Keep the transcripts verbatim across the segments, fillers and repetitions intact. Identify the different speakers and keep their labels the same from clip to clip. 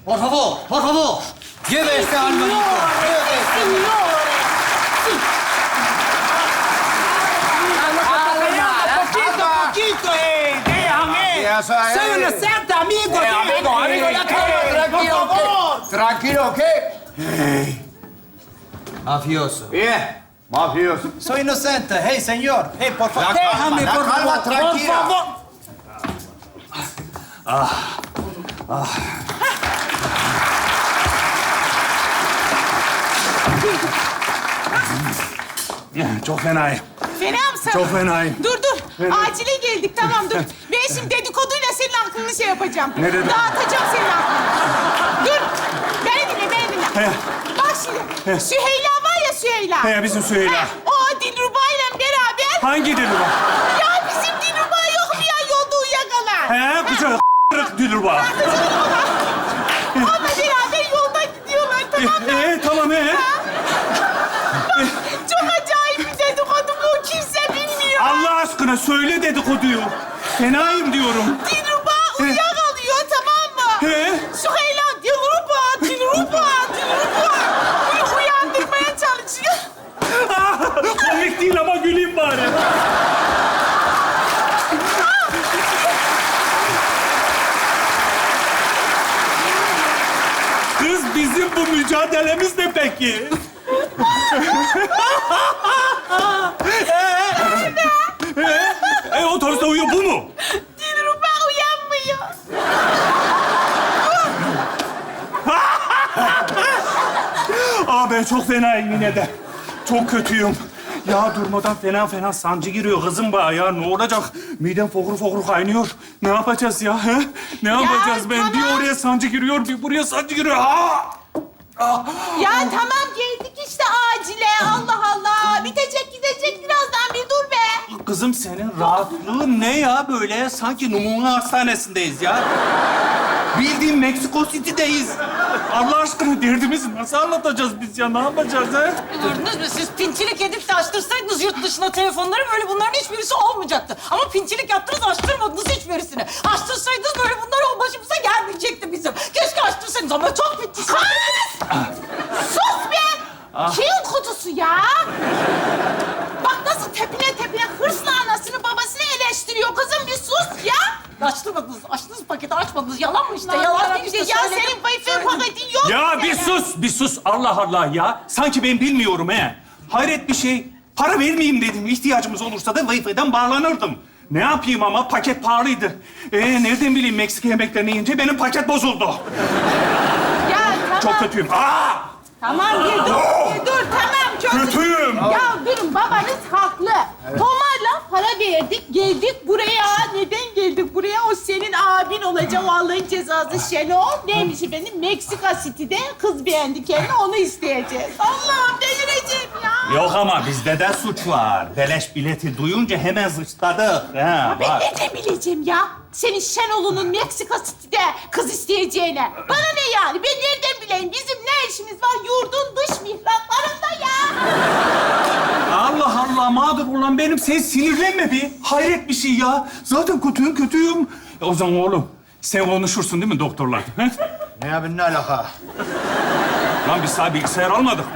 Speaker 1: Por favor, por favor. Lleve este almanito.
Speaker 2: Poquito, poquito, eh. Déjame.
Speaker 3: Ya sabes.
Speaker 2: Soy un excelente amigo.
Speaker 3: Eh, amigo, amigo, ya calma, tranquilo,
Speaker 2: Por favor.
Speaker 3: ¿qué? Tranquilo, ¿qué?
Speaker 1: Mafioso.
Speaker 3: Bien, mafioso.
Speaker 1: Soy inocente. Hey, señor. Hey, por favor.
Speaker 3: La calma,
Speaker 2: Déjame,
Speaker 3: la
Speaker 2: por
Speaker 3: calma,
Speaker 2: favor. Por
Speaker 3: tranquila.
Speaker 2: favor.
Speaker 4: Çok fenayım.
Speaker 5: Fena mısın?
Speaker 4: Çok fenayım.
Speaker 5: Dur dur. Acile geldik tamam dur. Ben şimdi dedikoduyla senin aklını şey yapacağım.
Speaker 4: Ne dedin?
Speaker 5: Dağıtacağım senin aklını. Dur. Beni dinle, beni dinle.
Speaker 4: He.
Speaker 5: Bak şimdi. Süheyla var ya Süheyla.
Speaker 4: He, bizim Süheyla.
Speaker 5: Heh, o Dilruba'yla beraber.
Speaker 4: Hangi dili var?
Speaker 5: Ya bizim Dilruba yok mu ya yolda uyuyakalan?
Speaker 4: He, güzel Dilruba.
Speaker 5: Onunla beraber yolda gidiyorlar tamam mı?
Speaker 4: Ee, tamam he.
Speaker 5: Çok acayip bir dedikodu bu. Kimse bilmiyor.
Speaker 4: Allah aşkına söyle dedikoduyu. Fenayım diyorum.
Speaker 5: Dilruba uyuyakalıyor tamam mı?
Speaker 4: He.
Speaker 5: Süheyla Dilruba, Dilruba, Dilruba. Bunu uyandırmaya çalışıyor.
Speaker 4: Ah, komik değil ama güleyim bari. Kız bizim bu mücadelemiz ne peki? e, e, otobüste uyuyor bu mu?
Speaker 5: Dilruba uyanmıyor.
Speaker 4: Aa ben çok fenayım yine de. Çok kötüyüm. Ya durmadan fena fena sancı giriyor kızım bana ya. Ne olacak? Midem fokur fokur kaynıyor. Ne yapacağız ya? He? Ne yapacağız ben?
Speaker 5: tamam.
Speaker 4: Bir oraya sancı giriyor, bir buraya sancı giriyor. Aa!
Speaker 5: Ya tamam geldik işte acile. Allah Allah. Bitecek gidecek birazdan bir dur be.
Speaker 4: Kızım senin rahatlığın ne ya böyle? Sanki numune hastanesindeyiz ya. Bildiğin Meksiko City'deyiz. Allah aşkına derdimizi nasıl anlatacağız biz ya? Ne yapacağız he?
Speaker 6: Gördünüz mü? Siz pintilik edip de açtırsaydınız yurt dışına telefonları böyle bunların hiçbirisi olmayacaktı. Ama pintilik yaptınız, açtırmadınız hiçbirisini. Açtırsaydınız böyle bunlar başımıza gelmeyecekti bizim. Keşke açtırsaydınız ama çok pintisiniz.
Speaker 5: Sus be. Kil kutusu ya. Bak nasıl tepine tepine hırsla anasını babasını eleştiriyor. Kızım bir sus ya.
Speaker 6: Açtırmadınız, açtınız paketi açmadınız. Yalan mı işte?
Speaker 5: Yalan
Speaker 6: Yalan
Speaker 5: işte.
Speaker 6: işte.
Speaker 5: Ya
Speaker 6: Söyledim.
Speaker 5: senin Wi-Fi paketin yok
Speaker 4: Ya
Speaker 5: mu
Speaker 4: bir
Speaker 5: senin?
Speaker 4: sus, bir sus. Allah Allah ya. Sanki ben bilmiyorum he. Hayret bir şey. Para vermeyeyim dedim. İhtiyacımız olursa da Wi-Fi'den bağlanırdım. Ne yapayım ama paket pahalıydı. Ee, nereden bileyim Meksika yemeklerini yiyince benim paket bozuldu.
Speaker 5: Ya tamam.
Speaker 4: Çok kötüyüm. Aa!
Speaker 5: Tamam bir dur, bir dur. Tamam çok...
Speaker 4: Kötüyüm.
Speaker 5: Ya durun babanız haklı. Tomar'la para verdik, geldik buraya. Neden geldik buraya? O senin abin olacak o Allah'ın cezası Şenol. Neymiş efendim? Meksika City'de kız beğendi kendini, onu isteyeceğiz. Allah'ım delireceğim ya.
Speaker 4: Yok ama bizde de suç var. Beleş bileti duyunca hemen zıçladık. Ha,
Speaker 5: Ben
Speaker 4: bak.
Speaker 5: nereden bileceğim ya? Senin Şenol'unun Meksika City'de kız isteyeceğine. Bana ne yani? Ben nereden bileyim? Bizim ne işimiz var yurdun dış mihraklarında ya?
Speaker 4: Allah Allah mağdur olan benim. Sen sinirlenme bir. Hayret bir şey ya. Zaten kötüyüm kötüyüm. E, o zaman oğlum sen konuşursun değil mi doktorla? He?
Speaker 3: Ne abi, ne alaka?
Speaker 4: Lan biz sana bilgisayar almadık mı?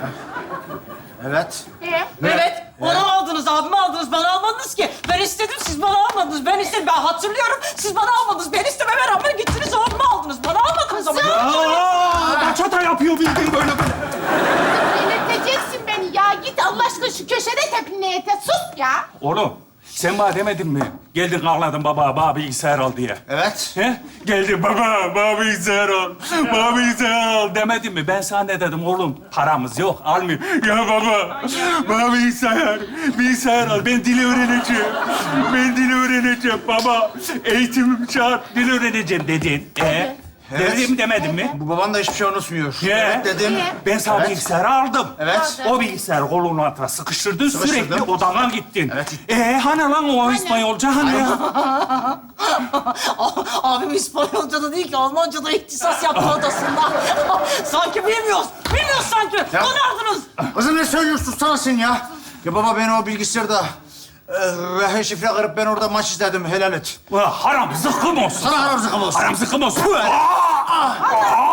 Speaker 3: Evet.
Speaker 5: Ee?
Speaker 6: Evet, onu aldınız, abimi aldınız, bana almadınız ki. Ben istedim, siz bana almadınız. Ben istedim, ben hatırlıyorum. Siz bana almadınız. Ben istememe rağmen gittiniz, abimi aldınız. Bana almadınız ama.
Speaker 4: Aa, kaç hata yapıyor bildiğin böyle böyle.
Speaker 5: Delirteceksin beni ya. Git Allah aşkına şu köşede tepinle ete. Sus ya.
Speaker 4: Oğlum sen bana demedin mi? Geldin ağladın baba, bana bilgisayar al diye.
Speaker 3: Evet.
Speaker 4: He? Geldin baba, bana bilgisayar al. Bana bilgisayar al demedin mi? Ben sana ne dedim oğlum? Paramız yok, almıyor. Ya baba, bana bilgisayar, bilgisayar al. Ben dili öğreneceğim. Ben dili öğreneceğim baba. Eğitimim şart, dil öğreneceğim dedin. Ee?
Speaker 3: Evet.
Speaker 4: Dedim demedin mi?
Speaker 3: Bu baban da hiçbir şey unutmuyor.
Speaker 4: Ye.
Speaker 3: Evet dedim.
Speaker 5: Ye.
Speaker 4: Ben sana
Speaker 3: Evet.
Speaker 4: bilgisayarı aldım.
Speaker 3: Evet.
Speaker 4: O bilgisayarı kolunun altına sıkıştırdın,
Speaker 3: Sıkıştırdım.
Speaker 4: sürekli odana gittin.
Speaker 3: Evet.
Speaker 4: Ee, hani lan o İspanyolca hani?
Speaker 6: Abim İspanyolca da değil ki, Almanca da ihtisas yaptı odasında. Sanki bilmiyoruz. Bilmiyoruz sanki.
Speaker 3: Ya.
Speaker 6: Donardınız.
Speaker 3: Kızım ne söylüyorsun sana sen ya? Ya baba ben o bilgisayarda e, her şifre kırıp ben orada maç izledim. Helal et.
Speaker 4: Ulan haram zıkkım olsun.
Speaker 3: Sana haram zıkkım olsun.
Speaker 4: Haram zıkkım olsun. Aa! Aa!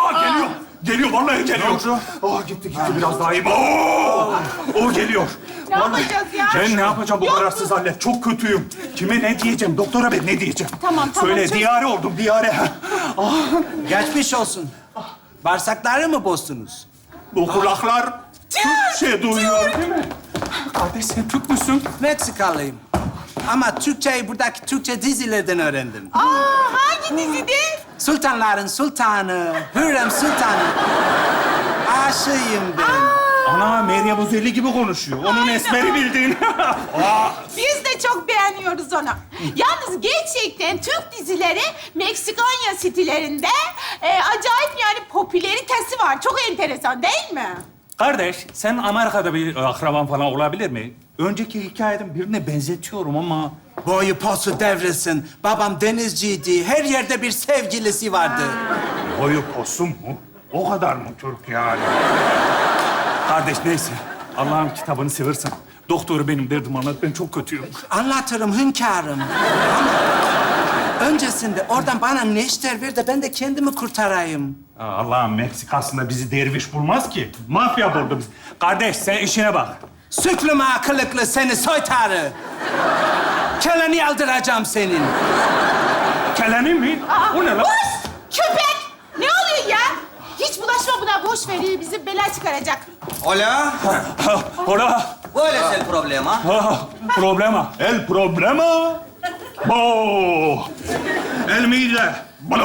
Speaker 4: geliyor, vallahi geliyor.
Speaker 3: oldu?
Speaker 4: Oh, gitti gitti biraz daha iyi. Oo, o geliyor.
Speaker 5: Ne
Speaker 4: Vallahi-
Speaker 5: yapacağız ya?
Speaker 4: Ben ne yapacağım bu
Speaker 5: Yok
Speaker 4: kararsız halle? Çok kötüyüm. Kime ne diyeceğim? Doktora ben ne diyeceğim?
Speaker 5: Tamam, tamam,
Speaker 4: Söyle,
Speaker 5: çöz.
Speaker 4: diyare oldum, diyare. Ah,
Speaker 1: Geçmiş olsun. Bağırsakları mı bozdunuz?
Speaker 4: bu kulaklar Türkçe duyuyor değil mi? Kardeş sen Türk müsün?
Speaker 1: Meksikalıyım. Ama Türkçeyi buradaki Türkçe dizilerden öğrendim.
Speaker 5: Aa, hangi dizide?
Speaker 1: Sultanların sultanı, Hürrem Sultanı. Aşığıyım ben.
Speaker 4: Ana Meryem Uzerli gibi konuşuyor. Onun esmeri bildiğin.
Speaker 5: Biz de çok beğeniyoruz onu. Yalnız gerçekten Türk dizileri Meksikanya sitelerinde e, acayip yani popülaritesi var. Çok enteresan değil mi?
Speaker 4: Kardeş, sen Amerika'da bir akraban falan olabilir mi? Önceki hikayeden birine benzetiyorum ama...
Speaker 1: Boyu posu devrilsin. Babam denizciydi. Her yerde bir sevgilisi vardı.
Speaker 4: Boyu posu mu? O kadar mı Türk yani? Kardeş neyse, Allah'ın kitabını seversen. Doktoru benim derdim anlat, ben çok kötüyüm.
Speaker 1: Anlatırım hünkârım. Ama öncesinde oradan bana neşter ver de ben de kendimi kurtarayım.
Speaker 4: Aa, Allah'ın Meksikası'nda bizi derviş bulmaz ki. Mafya buldu bizi. Kardeş sen işine bak.
Speaker 1: Süklüm akıllıklı seni soytarı. Keleni aldıracağım senin.
Speaker 4: Keleni mi? O ne lan?
Speaker 5: Boş! Köpek! Ne oluyor ya? Hiç bulaşma buna. Boş veriyor. Bizi bela çıkaracak.
Speaker 1: Hola.
Speaker 4: Ha, Hola.
Speaker 1: ¿Cuál es el problema?
Speaker 4: Ah, problema. El problema. Oh. El mide.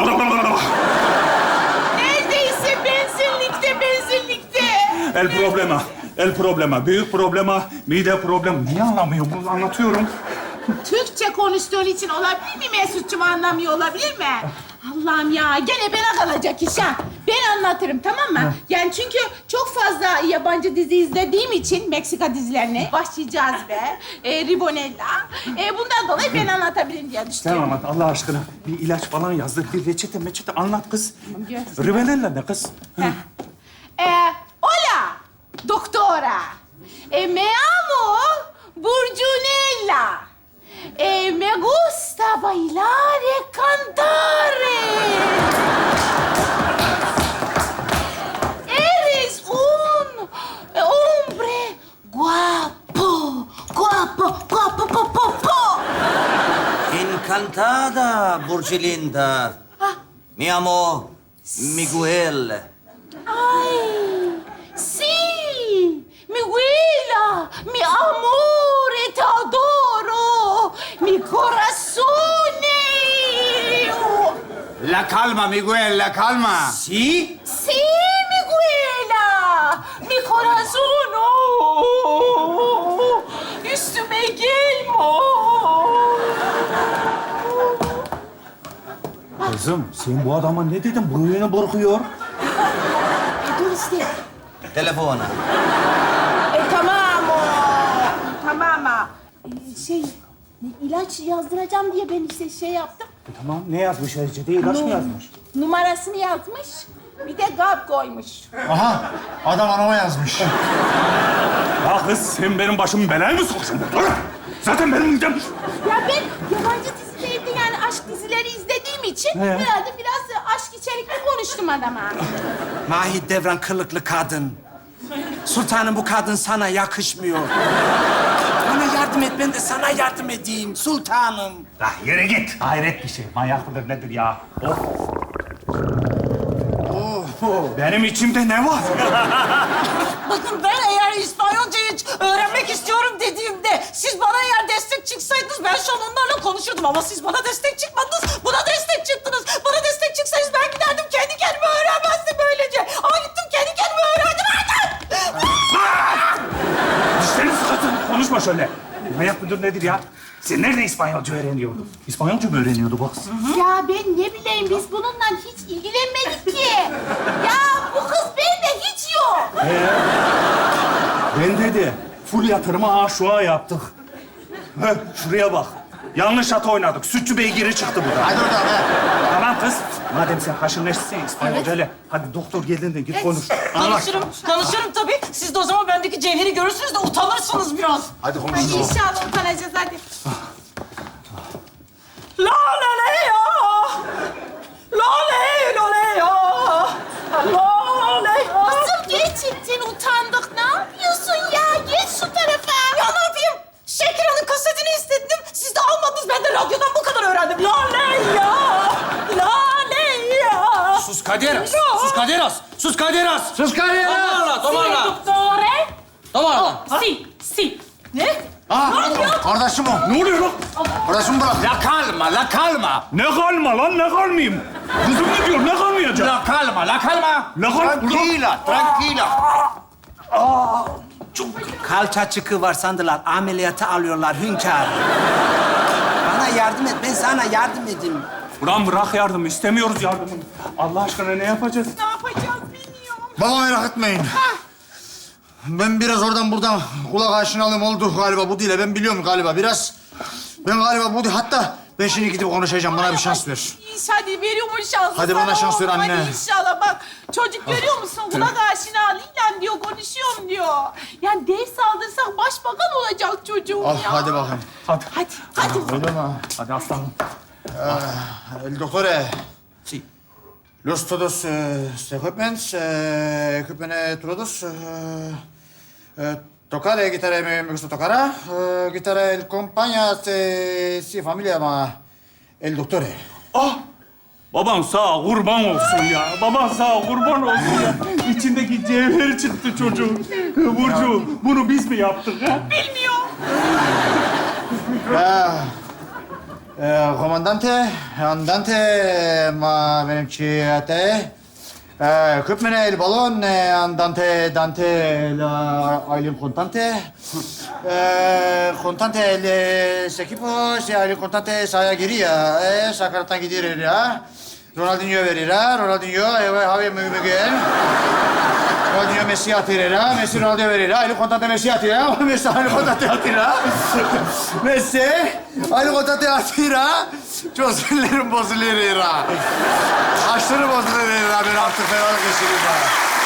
Speaker 5: Neredeyse benzinlikte, benzinlikte.
Speaker 4: El problema. El problema. Büyük problema. Mide problem. Niye anlamıyor bunu? Anlatıyorum.
Speaker 5: Türkçe konuştuğun için olabilir mi Mesut'cum? Anlamıyor olabilir mi? Allah'ım ya, gene bana kalacak iş ha. Ben anlatırım, tamam mı? Yani çünkü çok fazla yabancı dizi izlediğim için Meksika dizilerini, Vahşi Cazibe, e, Ribonella, e, bundan dolayı ben anlatabilirim diye düşündüm.
Speaker 4: Sen anlat Allah aşkına. Bir ilaç falan yazdır. Bir reçete meçete anlat kız.
Speaker 5: Yazdım.
Speaker 4: Ribonella ne kız? Hı.
Speaker 5: Eh, hola, doctora. Eh, me llamo Burjunella. Eh, me gusta bailar y cantar. Eres un hombre guapo, guapo, guapo, guapo, guapo.
Speaker 7: Encantada, Burgelinda. Mi amo Miguel.
Speaker 5: Ay, sí, mi huila, mi amor, te adoro, mi corazón.
Speaker 3: La calma, Miguel, la calma.
Speaker 7: ¿Sí?
Speaker 5: Sí, mi huila, mi corazón. Oh, üstüme gelme.
Speaker 4: Kızım sen bu adama ne dedin? Buruyunu burkuyor.
Speaker 5: Dur işte.
Speaker 7: Telefona.
Speaker 5: E, tamam o. Tamam ha. E, şey, ne, ilaç yazdıracağım diye ben işte şey yaptım.
Speaker 4: Tamam ne yazmış reçete? İlaç mı yazmış?
Speaker 5: Numarasını yazmış. Bir de gap koymuş.
Speaker 3: Aha, adam anama yazmış.
Speaker 4: Ya kız sen benim başımı belaya mı sokuyorsun? Zaten benim midem...
Speaker 5: Ya ben yabancı dizilerde yani aşk dizileri izlediğim için herhalde biraz aşk içerikli konuştum adama.
Speaker 1: Mahit Devran kılıklı kadın. Sultanım bu kadın sana yakışmıyor. Bana yardım et, ben de sana yardım edeyim sultanım.
Speaker 4: Ya yere git. Hayret bir şey. Manyak mıdır nedir ya? Of. Benim içimde ne var?
Speaker 6: Bakın ben eğer İspanyolcayı öğrenmek istiyorum dediğimde siz bana eğer destek çıksaydınız ben şu an onlarla konuşurdum ama siz bana destek çıkmadınız. Buna destek çıktınız. Bana destek çıksaydınız ben giderdim kendi kendime öğrenmezdim böylece. Ama gittim kendi kendime öğrendim.
Speaker 4: Dişlerini sıkatın. Konuşma şöyle. Manyak mıdır nedir ya? Sen nerede İspanyolca öğreniyordun? İspanyolca mı öğreniyordu bu kız?
Speaker 5: Ya ben ne bileyim biz bununla hiç ilgilenmedik ki. Ya bu kız bende hiç yok.
Speaker 4: Ben dedi. Full yatırımı aşuğa yaptık. Heh, şuraya bak. Yanlış at oynadık. Sütçü beygiri çıktı burada.
Speaker 3: Hadi oradan be.
Speaker 4: Tamam kız. Madem sen haşır neşirsin İspanyolcayla. Hadi doktor geldiğinde git konuş.
Speaker 6: Konuşurum, konuşurum tabii. Siz de o zaman bendeki cevheri görürsünüz de utanırsınız biraz.
Speaker 3: Hadi
Speaker 5: Hadi
Speaker 3: konuşalım.
Speaker 5: inşallah utanacağız hadi.
Speaker 6: La la la ya. La la la la ya. La la
Speaker 7: caderas. Sus caderas. Sus caderas.
Speaker 3: Sus caderas.
Speaker 7: Tomarla, tomarla.
Speaker 5: Dottore?
Speaker 7: Tomarla.
Speaker 5: Si, si. Ne?
Speaker 3: Ha, kardeşim o.
Speaker 4: Ne oluyor lan?
Speaker 3: Kardeşim bırak.
Speaker 7: La calma, la calma.
Speaker 4: Ne kalma lan, ne kalmayayım? Kızım ne diyor, ne kalmayacak?
Speaker 7: La calma, la calma.
Speaker 4: Ne kalma?
Speaker 7: Tranquila, tranquila.
Speaker 1: Kalça çıkığı var sandılar. Ameliyata alıyorlar hünkâr. Bana yardım et. Ben sana yardım edeyim.
Speaker 4: Ulan bırak yardım, istemiyoruz yardımını. Allah aşkına ne yapacağız?
Speaker 5: Ne yapacağız bilmiyorum.
Speaker 3: Baba merak etmeyin. Ben biraz oradan buradan kulak aşinalığım oldu galiba bu dile. Ben biliyorum galiba biraz. Ben galiba bu dil. Hatta ben şimdi gidip konuşacağım. Bana bir şans ver.
Speaker 5: İnşallah veriyorum şansı.
Speaker 3: Hadi bana
Speaker 5: sana
Speaker 3: şans ver
Speaker 5: oğlum,
Speaker 3: anne.
Speaker 5: Hadi inşallah bak. Çocuk görüyor musun? Kulak aşinalığıyla diyor, konuşuyorum diyor. Yani ders aldırsak başbakan olacak çocuğum
Speaker 3: Al
Speaker 5: ya.
Speaker 3: hadi bakayım.
Speaker 4: Hadi,
Speaker 5: Hadi, hadi.
Speaker 3: Öyle mi?
Speaker 4: hadi aslanım.
Speaker 3: El dottore.
Speaker 1: Si.
Speaker 3: Los todos eh, equipments, eh, equipment todos. eh, eh, Tocare, chitarra me, me gusta tocar. Eh, chitarra el compagna, eh, si familia ma el dottore.
Speaker 4: Ah! Baban sağ kurban olsun ya. Baban sağ kurban olsun ya. İçindeki cevher çıktı çocuğun. Burcu, bunu biz mi yaptık ha?
Speaker 5: Bilmiyorum.
Speaker 3: Ah, eh, comandante, andante, ma venciate. Eh, equipment el balon, eh, andante, dante, la Aylin contante. Eh, contante el eh, equipo, si Aylin contante sahaya giriyor. Eh, sakarattan gidiyor ya. Ronaldinho verir ha, Ronaldinho, eh, Javier Miguel. Ronaldinho Messi atır ha, Messi Ronaldo verir ha. Aylin contante Messi atır ha, Messi Aylin contante atır ha. Messi, Aylin contante atır ha. Çok sinirlerim bozuluyor ha. Aşırı bozuluyor ha, ben artık fenalık geçireyim ha.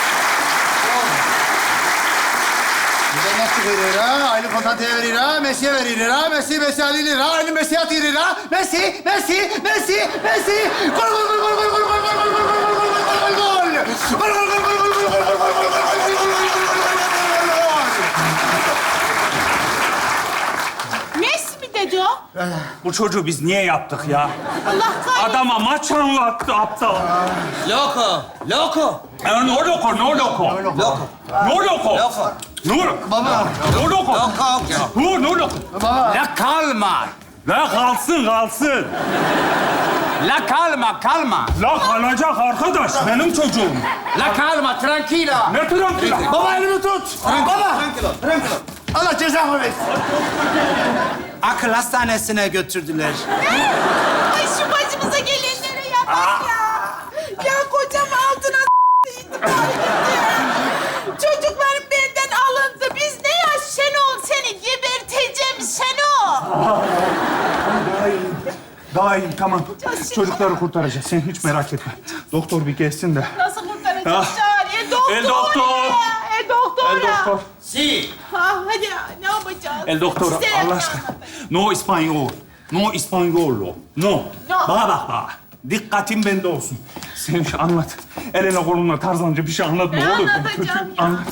Speaker 3: Bir de nasıl verir ha? Aylin Kontante'ye verir ha, Messi'ye verir ha, Messi, Messi Ali'lir ha, Aylin Messi atır ha. Messi, Messi, Messi, Messi. Gol, gol, gol, gol, gol, gol, gol, gol, gol, gol, gol, gol, gol, gol, gol. Gol, gol, gol, gol, gol, gol, gol, gol, gol, gol, gol, gol, gol,
Speaker 5: Messi mi dedi o?
Speaker 4: Bu çocuğu biz niye yaptık ya?
Speaker 5: Allah kahretsin.
Speaker 4: Adama maç anlattı aptal.
Speaker 7: Loco, loco.
Speaker 4: Ya no loco, no loco.
Speaker 7: Loco.
Speaker 4: No loco.
Speaker 7: Loco.
Speaker 4: No loco.
Speaker 3: Baba.
Speaker 4: No loco.
Speaker 7: Loco.
Speaker 4: No, no loco.
Speaker 7: La calma.
Speaker 4: La kalsın, kalsın.
Speaker 7: La calma, calma.
Speaker 4: La kalacak arkadaş, benim çocuğum.
Speaker 7: La calma, tranquila.
Speaker 4: Ne tranquila.
Speaker 3: Baba elimi tut. Baba. Allah cezamı versin.
Speaker 1: Akıl hastanesine götürdüler.
Speaker 5: Ay şu başımıza gelenlere ya bak ya. Ya kocam altına intihar etti. Çocuklarım benden alındı. Biz ne ya Şenol? Seni geberteceğim Şenol.
Speaker 4: Daha iyiyim. Daha iyiyim, tamam. Çocukları kurtaracağız. Sen hiç merak etme. Doktor bir gelsin de.
Speaker 5: Nasıl kurtaracağız
Speaker 4: Ah.
Speaker 5: Çağrı? E doktor.
Speaker 4: El doktor.
Speaker 5: E doktor.
Speaker 4: El doktor.
Speaker 7: Si.
Speaker 5: Ha, hadi ya, ne yapacağız?
Speaker 4: El doktor,
Speaker 5: Bize
Speaker 4: Allah
Speaker 5: ne
Speaker 4: aşkına.
Speaker 5: anlatın?
Speaker 4: No İspanyol. No İspanyolo. No.
Speaker 5: No.
Speaker 4: Bana bak bana. Dikkatin bende olsun. Sen şu anlat. Eline koluna tarzanca bir şey anlatma
Speaker 5: Ne
Speaker 4: olur.
Speaker 5: anlatacağım ya?
Speaker 4: Anlat.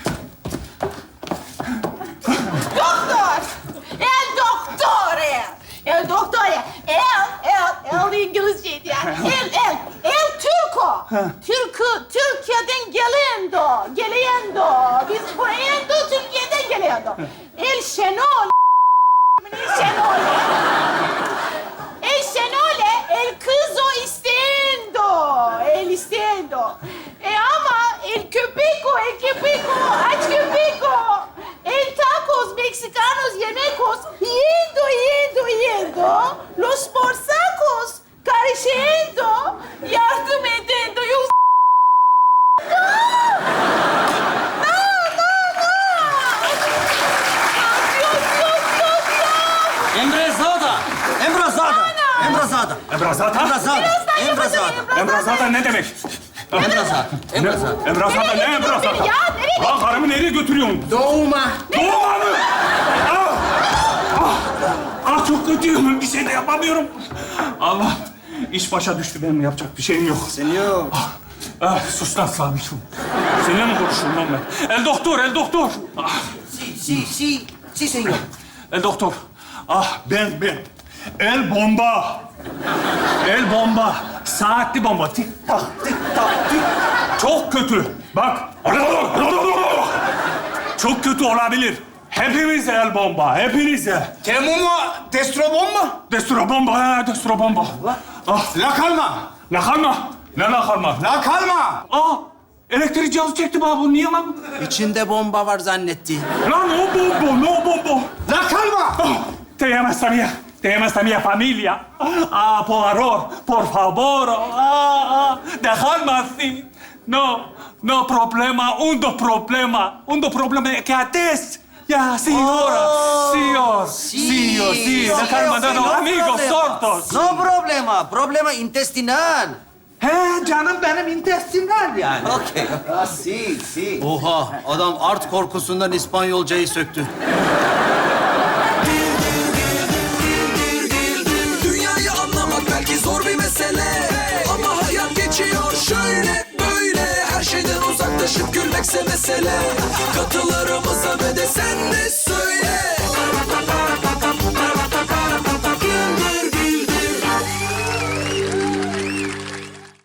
Speaker 5: Doktor. El doktore. El doktore. El, el, el İngilizceydi yani. El, el. El Türko. Türkü, Türkiye'den gelendo. Gelendo. Biz buraya Türkiye'den gelendo. El Şenol. El Şenol. El Şenole, el kızzo istendo. El istendo. E ama el köpeko, el köpeko, aç köpeko. El tacos mexicanos yemekos. Yendo, yendo, yendo. Los porsacos careciendo. Yardım edendo. Yok. No, no, no. Yok, yok, yok, yok.
Speaker 7: Embrezada. Embrezada. Embrezada.
Speaker 4: Emrazada.
Speaker 7: Embrezada.
Speaker 5: Birazdan
Speaker 7: Embrezada.
Speaker 5: yapacağım,
Speaker 4: Emrazada ne demek?
Speaker 7: Embrezada. Embrezada.
Speaker 4: Emrazada ne
Speaker 5: Nereye götürüyorsun
Speaker 4: emrazada?
Speaker 5: beni ya? Nereye
Speaker 4: Lan karımı nereye götürüyorsun?
Speaker 3: Doğuma.
Speaker 4: Doğuma mı? Ah! Ah! Ah çok kötüyüm. Bir şey de yapamıyorum. Allah. İş başa düştü. Benim yapacak bir şeyim yok.
Speaker 1: Sen yok.
Speaker 4: Ah, ah, sus lan Sabit'im. Seninle mi konuşuyorum lan ben? El doktor, el doktor. Ah,
Speaker 1: Si, si, si. Si, senyor.
Speaker 4: el doktor. Ah ben, ben. El bomba. El bomba. Saatli bomba. Tik tak, tik tak, tik. Çok kötü. Bak. Çok kötü olabilir. Hepimize el bomba, hepinize.
Speaker 7: Temumu destrobon mu?
Speaker 4: Destro bomba, ha, destro bomba. Ah,
Speaker 7: La kalma.
Speaker 4: la kalma. Ne la kalma?
Speaker 7: La kalma.
Speaker 4: Aa, elektrik cihazı çekti bana bu. Niye lan?
Speaker 1: İçinde bomba var zannetti.
Speaker 4: Lan no bombo, no bombo.
Speaker 7: La kalma.
Speaker 4: Ah, te llamas también, te llamas también familia. Ah, por favor, por favor. Ah, ah, dejadme así. No, no problema, uno problema. Uno problema que haces. Ya, sí, ahora. Sí, oh, sí, oh, sí. Dejadme, no, no, amigos, sordos.
Speaker 8: No problema. Problema intestinal.
Speaker 1: He canım benim intestinal yani.
Speaker 8: Okey. Ah, si, si.
Speaker 1: Oha adam art korkusundan İspanyolcayı söktü.
Speaker 9: Dünyayı anlamak belki zor bir mesele, ama hayat geçiyor şöyle böyle. Her şeyden uzaklaşıp gülmekse mesele. Katılır